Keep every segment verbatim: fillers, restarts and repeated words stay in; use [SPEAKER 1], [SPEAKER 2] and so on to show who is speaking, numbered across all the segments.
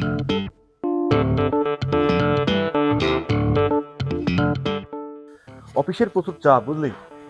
[SPEAKER 1] অফিসের প্রচুর চাপ, বুঝলি?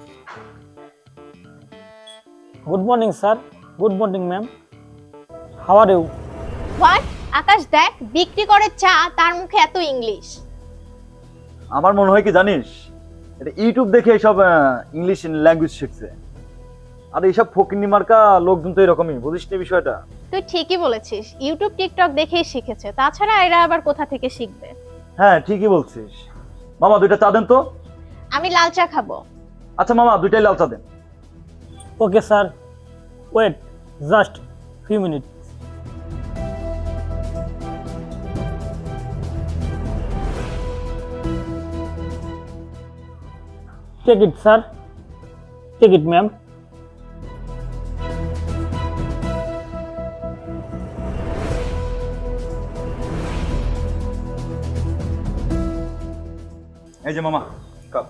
[SPEAKER 2] Good morning sir. Good morning ma'am. How are you?
[SPEAKER 3] What? আকাশ দেখ, বিক্রি করে চা, তার মুখে এত ইংলিশ।
[SPEAKER 1] আমার মনে হয় কি জানিস, এটা ইউটিউব দেখে এইসব ইংলিশ ল্যাঙ্গুয়েজ শিখছে। আর এইসব ফকিন্নি মার্কা লোকজন তো এরকমই, বুঝিস না বিষয়টা?
[SPEAKER 3] তুই ঠিকই বলেছিস, ইউটিউব টিকটক দেখেই শিখেছে, তাছাড়া এরা আবার কোথা থেকে শিখবে?
[SPEAKER 1] হ্যাঁ, ঠিকই বলছিস। মামা দুইটা চা দেন তো।
[SPEAKER 3] আমি লাল চা খাবো।
[SPEAKER 1] আচ্ছা মামা, দুইটাই লাল চা দেন।
[SPEAKER 2] Okay sir, wait just few minute. Take it sir, take it ma'am.
[SPEAKER 1] এই যে মামা কাপ।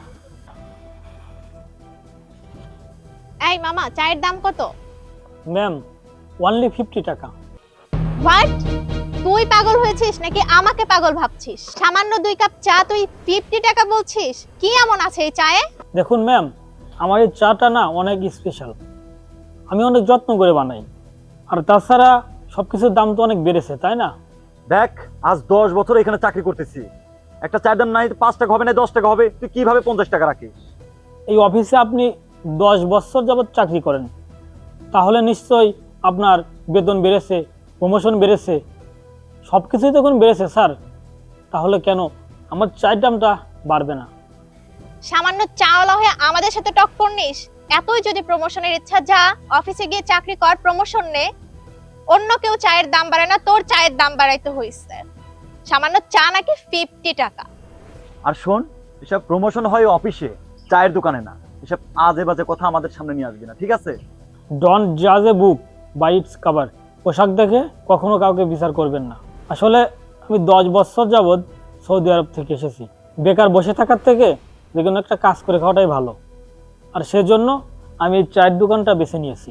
[SPEAKER 3] এই মামা, চায়ের দাম কত?
[SPEAKER 2] ম্যাম ওনলি ফিফটি টাকা।
[SPEAKER 3] হোয়াট? তুই পাগল হয়েছিস নাকি আমাকে পাগল ভাবছিস? সামান্য দুই কাপ চা তুই ফিফটি টাকা বলছিস? কি এমন আছে এই চায়ে?
[SPEAKER 2] দেখুন ম্যাম, আমার এই চাটা না অনেক স্পেশাল, আমি অনেক যত্ন করে বানাই। আর তাছাড়া সব কিছুর দাম তো অনেক বেড়েছে, তাই না?
[SPEAKER 1] দেখ, আজ দশ বছর এখানে চাকরি করতেছি, একটা চায়ের দাম নাই পাঁচ টাকা হবে না দশ টাকা হবে, তুই কিভাবে পঞ্চাশ টাকা রাখিস?
[SPEAKER 2] এই অফিসে আপনি দশ বছর যাবৎ চাকরি করেন, তাহলে নিশ্চয়ই আপনার বেতন বেড়েছে, প্রমোশন বেড়েছে, সব কিছুই তখন বেড়েছে স্যার। তাহলে কেন আমার চায়ের দামটা বাড়বে না?
[SPEAKER 3] সামান্য চাওয়ালা হয়ে আমাদের সাথে টক্কর নিস? এতই যদি প্রমোশনের ইচ্ছা, যা অফিসে গিয়ে চাকরি কর, প্রমোশন নে। অন্য কেউ চায়ের দাম বাড়ায় না, তোর চায়ের দাম বাড়াইতে হইছে। সামান্য চা নাকি ফিফটি টাকা?
[SPEAKER 1] আর শোন, এসব প্রমোশন হয় অফিসে, চায়ের দোকানে না। এসব আজে বাজে কথা আমাদের সামনে নিয়ে আসবি না, ঠিক আছে?
[SPEAKER 2] ডোন্ট জাজ a book by its cover. পোশাক দেখে কখনো কাউকে বিচার করবেন না। আসলে আমি দশ বছর যাবৎ সৌদি আরব থেকে এসেছি। বেকার বসে থাকার থেকে যে কোনো একটা কাজ করে খাওয়াটাই ভালো, আর সেজন্য আমি এই চায়ের দোকানটা বেছে নিয়েছি।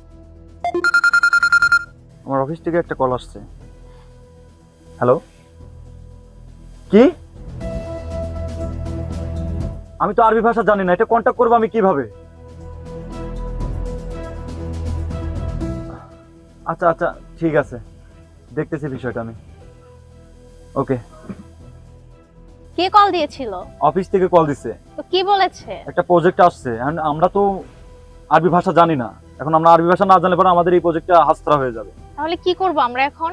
[SPEAKER 1] আমার অফিস থেকে একটা কল আসছে। হ্যালো, কি? আমি তো আরবি ভাষা জানি না, এটা কন্ট্যাক্ট করবো আমি কিভাবে? আচ্ছা আচ্ছা, ঠিক আছে, দেখতেছি বিষয়টা আমি। ওকে।
[SPEAKER 3] কে কল দিয়েছিল?
[SPEAKER 1] অফিস থেকে কল দিছে,
[SPEAKER 3] তো কি বলেছে?
[SPEAKER 1] একটা প্রজেক্ট আসছে। এখন আমরা তো আরবি ভাষা জানি না, এখন আমরা আরবি ভাষা না জানলে পরে আমাদের এই প্রজেক্টটা হাতছাড়া হয়ে যাবে।
[SPEAKER 3] তাহলে কি করব আমরা এখন?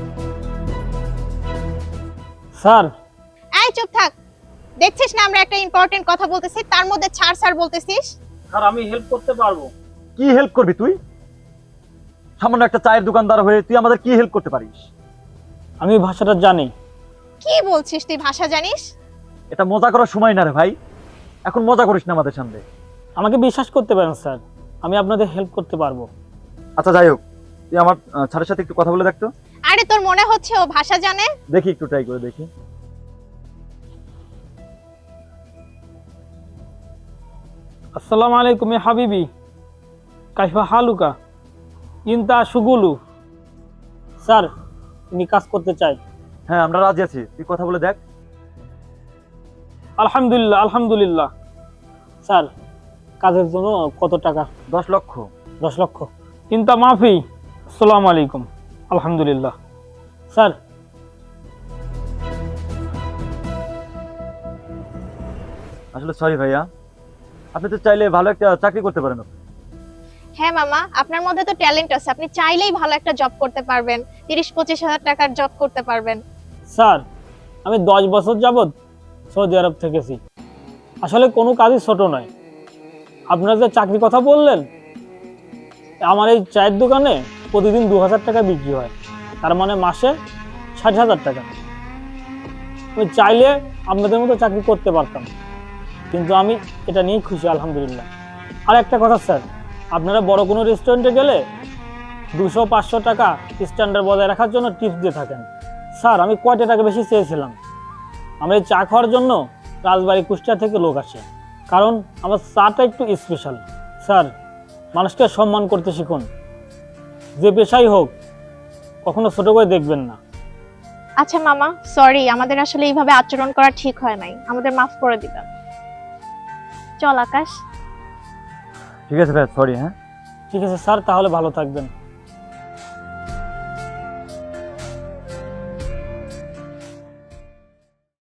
[SPEAKER 2] স্যার,
[SPEAKER 3] এই চুপ থাক, দেখছিস না আমরা একটা ইম্পর্টেন্ট কথা বলতেছি, তার মধ্যে ছাড় ছাড় বলতেছিস?
[SPEAKER 2] স্যার আমি হেল্প করতে পারবো।
[SPEAKER 1] কি হেল্প করবি তুই? সামান্য একটা চায়ের দোকানদার হয়ে তুই আমাদের কি হেল্প করতে পারিস?
[SPEAKER 2] আমি ভাষাটা জানি।
[SPEAKER 3] কি বলছিস? তুই ভাষা জানিস?
[SPEAKER 1] এটা মজা করার সময় না রে ভাই, এখন মজা করিস না আমাদের সামনে।
[SPEAKER 2] আমাকে বিশ্বাস করতে পারেন স্যার, আমি আপনাদের হেল্প করতে পারবো।
[SPEAKER 1] আচ্ছা যাই হোক, তুই আমার আহ, ছাড়ের সাথে একটু কথা বলে দেখতো।
[SPEAKER 3] আরে তোর মনে হচ্ছে ও ভাষা জানে?
[SPEAKER 1] দেখি, একটু ট্রাই করে দেখি।
[SPEAKER 2] আসসালামু আলাইকুম ইয়া হাবিবি, কাইফা হালুকা, ইনতা শুগুলু। স্যার, আমি কাজ করতে চাই।
[SPEAKER 1] হ্যাঁ, আমরা রাজি আছি, তুই কথা বলে দেখ।
[SPEAKER 2] আলহামদুলিল্লাহ আলহামদুলিল্লাহ। স্যার, কাজের জন্য কত টাকা?
[SPEAKER 1] দশ লক্ষ।
[SPEAKER 2] দশ লক্ষ। ইনতা মাফি। আসসালামু আলাইকুম। আলহামদুলিল্লাহ। স্যার,
[SPEAKER 1] আসলে সরি ভাইয়া, আপনি তো চাইলে ভালো একটা চাকরি করতে পারেন।
[SPEAKER 3] হ্যাঁ মামা, আপনার মধ্যে তো ট্যালেন্ট আছে, আপনি চাইলেই ভালো একটা জব করতে পারবেন, তিরিশ পঁচিশ হাজার টাকার জব করতে পারবেন।
[SPEAKER 2] স্যার আমি দশ বছর যাবৎ সৌদি আরব থেকেছি, আসলে কোনো কাজই ছোট নয়। আপনারা যে চাকরি কথা বললেন, আমার এই চায়ের দোকানে প্রতিদিন দু হাজার টাকা বিক্রি হয়, তার মানে মাসে ষাট হাজার টাকা। আমি চাইলে আপনাদের মতো চাকরি করতে পারতাম, কিন্তু আমি এটা নিয়েই খুশি আলহামদুলিল্লাহ। আর একটা কথা স্যার, আপনারা বড় কোনো রেস্টুরেন্টে গেলে দুশো পাঁচশো টাকা স্ট্যান্ডার্ড বজায় রাখার জন্য টিপস দিয়ে থাকেন। স্যার আমি কয়টা টাকা বেশি চেয়েছিলাম? আমরা এই চা খাওয়ার জন্য রাজবাড়ি কুষ্টিয়া থেকে লোক আসে, কারণ আমার চাটা একটু স্পেশাল। স্যার, মানুষকে সম্মান করতে শিখুন, যে পেশাই হোক কখনো ছোট করে দেখবেন না।
[SPEAKER 3] আচ্ছা মামা, সরি, আমাদের আসলে এইভাবে আচরণ করা ঠিক হয় নাই, আমাদের মাফ করে দিবেন। চল আকাশ।
[SPEAKER 1] ঠিক আছে ভাই, সরি। হ্যাঁ,
[SPEAKER 2] ঠিক আছে স্যার, তাহলে ভালো থাকবেন।